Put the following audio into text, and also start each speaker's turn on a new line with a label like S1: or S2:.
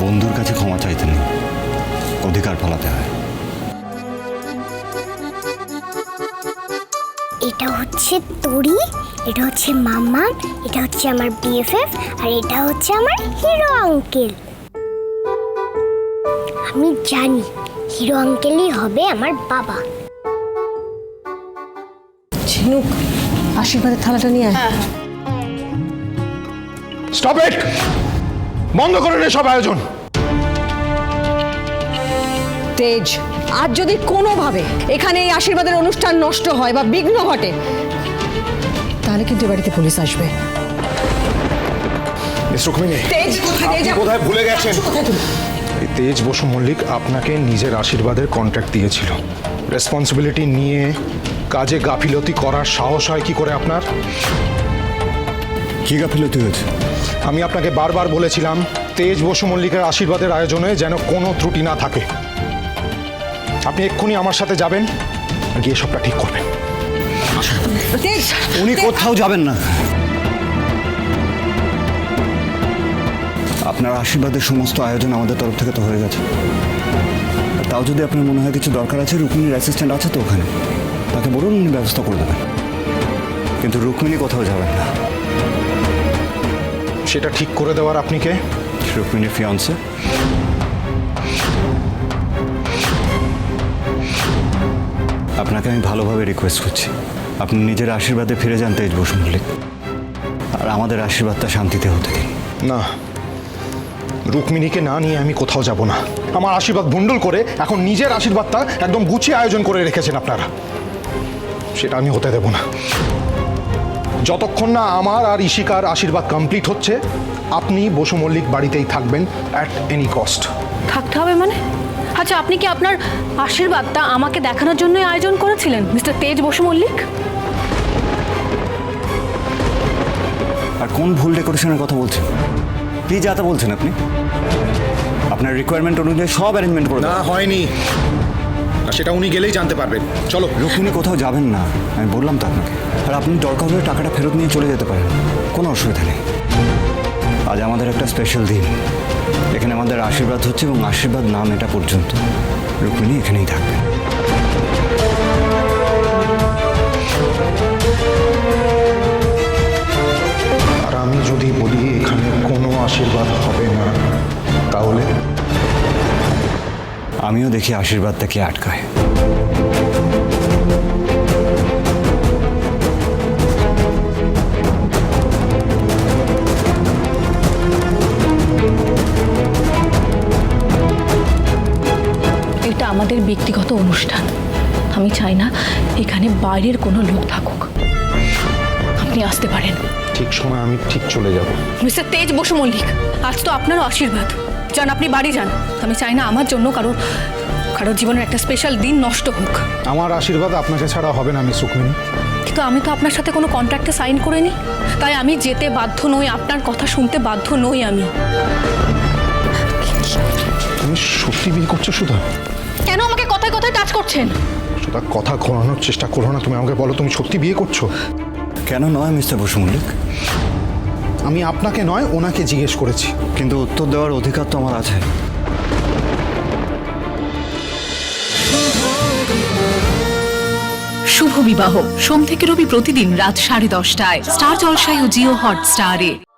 S1: বন্ধুর কাছে ক্ষমা চাইতে নেই, অধিকার ফলাতে হয়।
S2: এটা হচ্ছে তরি, এটা হচ্ছে মামা, এটা হচ্ছে আমার বিএফএফ, আর এটা হচ্ছে আমার হিরো আঙ্কেল। আমি জানি হিরো আঙ্কেলই হবে আমার বাবা।
S3: ঝিনুক, আশীর্বাদের থালাটা নিয়ে আয়।
S4: Stop it! বন্ধ করুন এসব আয়োজন।
S3: তেজ, আজ যদি কোনোভাবে এখানে এই আশীর্বাদের অনুষ্ঠান নষ্ট হয় বা বিঘ্ন ঘটে, তাহলে কিন্তু এ বাড়িতে পুলিশ আসবে।
S4: মিস রুক্মিণী,
S3: তেজ,
S4: আপনি কোথায় ভুলে গেছেন? এই তেজ বসু মল্লিক আপনাকে নিজের আশীর্বাদের কন্ট্রাক্ট দিয়েছিল। রেসপন্সিবিলিটি নিয়ে কাজে গাফিলতি করার সাহস হয় কি করে আপনার?
S1: কি গাফিলতি হয়েছে?
S4: আমি আপনাকে বারবার বলেছিলাম তেজ বসু মল্লিকের আশীর্বাদের আয়োজনে যেন কোনো ত্রুটি না থাকে। আপনি এক্ষুনি আমার সাথে যাবেন, গিয়ে সবটা ঠিক করবেন।
S3: তেজ,
S1: উনি কোথাও যাবেন না। আপনার আশীর্বাদের সমস্ত আয়োজন আমাদের তরফ থেকে তো হয়ে গেছে। তাও যদি আপনার মনে হয় কিছু দরকার আছে, রুক্মিণীর অ্যাসিস্ট্যান্ট আছে তো ওখানে, তাকে বলুন, উনি ব্যবস্থা করে দেবেন। কিন্তু রুক্মিণী কোথাও যাবেন না।
S4: সেটা ঠিক করে দেওয়ার আপনি কে?
S1: রুক্মিণীর ফিয়ান্সে। আপনাকে আমি ভালোভাবে রিকোয়েস্ট করছি, আপনি নিজের আশীর্বাদে ফিরে যান তেজ বসু মল্লিক, আর আমাদের আশীর্বাদটা শান্তিতে হতে দিন।
S4: না, রুক্মিণীকে না নিয়ে আমি কোথাও যাব না। আমার আশীর্বাদ ভুন্ডুল করে এখন নিজের আশীর্বাদটা একদম গুছিয়ে আয়োজন করে রেখেছেন আপনারা, সেটা আমি হতে দেব না। যতক্ষণ না আমার আর ইশিকার আশীর্বাদ কমপ্লিট হচ্ছে, আপনি বসু মল্লিক বাড়িতেই থাকবেন অ্যাট এনি কস্ট।
S5: থাকতে হবে মানে? আচ্ছা, আপনি কি আপনার আশীর্বাদটা আমাকে দেখানোর জন্যই আয়োজন করেছিলেন মিস্টার তেজ বসু মল্লিক?
S1: আর কোন ভুল ডেকোরেশনের কথা বলছেন? কি যাতা বলছেন আপনি? আপনার রিকোয়ারমেন্ট অনুযায়ী সব অ্যারেঞ্জমেন্ট করে
S4: না, হয়নি। সেটা উনি গেলেই জানতে পারবেন। চলো।
S1: রুক্মিণী কোথাও যাবেন না, আমি বললাম তো আপনাকে। আর আপনি দরকার হলে টাকাটা ফেরত নিয়ে চলে যেতে পারেন, কোনো অসুবিধা নেই। আজ আমাদের একটা স্পেশাল দিন, এখানে আমাদের আশীর্বাদ হচ্ছে, এবং আশীর্বাদ নাম এটা পর্যন্ত রুক্মিণী এখানেই থাকবে।
S4: আর আমি যদি বলি এখানে কোনো আশীর্বাদ হবে না, তাহলে?
S1: আমিও দেখি আশীর্বাদটা কি আটকায়।
S5: এটা আমাদের ব্যক্তিগত অনুষ্ঠান, আমি চাই না এখানে বাইরের কোনো লোক থাকুক। আপনি আসতে পারেন।
S4: ঠিক সময় আমি ঠিক চলে যাব।
S5: মিস্টার তেজ বসু মল্লিক, আজ তো আপনারও আশীর্বাদ, যান আপনি বাড়ি যান। আমি চাই না আমার জন্য কারোর জীবনের একটা স্পেশাল দিন নষ্ট হোক।
S4: আমার আশীর্বাদ আপনাকে ছাড়া হবে না মিস রুক্মিণী।
S5: কিন্তু আমি তো আপনার সাথে কোনো কন্ট্রাক্টে সাইন করিনি, তাই আমি যেতে বাধ্য নই, আপনার কথা শুনতে বাধ্য নই আমি।
S4: তুমি সত্যি বিয়ে করছো সুধা?
S5: কেন আমাকে কথায় কথায় টাচ করছেন?
S4: সুধা, কথা ঘোরানোর চেষ্টা করো না। তুমি আমাকে বলো, তুমি সত্যি বিয়ে করছো?
S1: কেন নয় মিস্টার বসু মল্লিক?
S4: আমি আপনাকে নয়, ওনাকে জিজ্ঞেস করেছি।
S1: কিন্তু উত্তর দেওয়ার অধিকার তো আমার আছে।
S6: শুভ বিবাহ সোম থেকে রবি প্রতিদিন রাত 10:30টায় স্টার জলসায় ও জিও হটস্টারে।